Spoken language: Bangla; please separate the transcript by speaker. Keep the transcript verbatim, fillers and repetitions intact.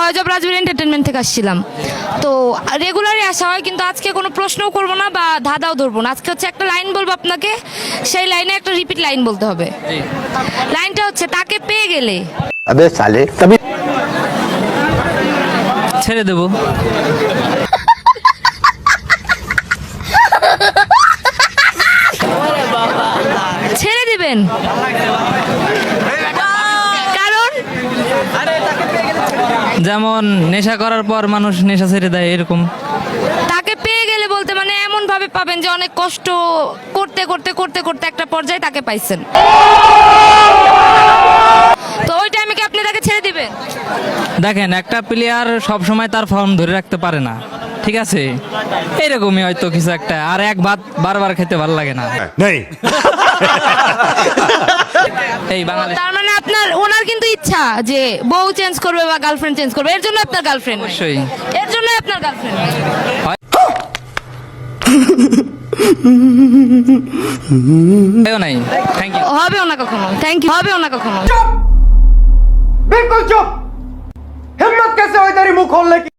Speaker 1: ভয়েস অফ রাজবীর এন্টারটেনমেন্ট থেকে আসছিলাম। তো রেগুলারই আসা হয়, কিন্তু আজকে কোনো প্রশ্নও করবো না বা ধাঁধাও ধরবো না। আজকে হচ্ছে একটা লাইন বলবো আপনাকে, সেই লাইনে একটা রিপিট লাইন বলতে হবে। লাইনটা হচ্ছে, তাকে পেয়ে গেলে।
Speaker 2: अबे साले तभी
Speaker 3: ছেড়ে দেবো।
Speaker 1: ছেড়ে দিবেন? কারণ?
Speaker 3: যেমন নেশা করার পর মানুষ নেশা ছেড়ে দেয়, এরকম।
Speaker 1: তাকে পেয়ে গেলে বলতে মানে এমন ভাবে পাবেন যে অনেক কষ্ট করতে করতে করতে করতে একটা পর্যায়ে তাকে পাইছেন, তো ওই টাইমে কি আপনি তাকে ছেড়ে দিবেন?
Speaker 3: দেখেন, একটা প্লেয়ার সব সময় তার ফর্ম ধরে রাখতে পারে না, ঠিক আছে? এরকমই হয়তো কিছু একটা। আর এক ভাত বারবার খেতে ভালো লাগে না।
Speaker 2: नहीं
Speaker 3: এই বাঙালি
Speaker 1: তার মানে আপনার ওনার কিন্তু ইচ্ছা যে বউ চেঞ্জ করবে বা গার্লফ্রেন্ড চেঞ্জ করবে, এর জন্য আপনার গার্লফ্রেন্ড,
Speaker 3: অবশ্যই
Speaker 1: এর জন্য আপনার গার্লফ্রেন্ড।
Speaker 3: এও নাই। Thank you.
Speaker 1: হবেও না কখনো, থ্যাংক ইউ। হবেও না কখনো।
Speaker 4: बिल्कुल चुप। हिम्मत कैसे हुई तेरी मुंह खोलने की?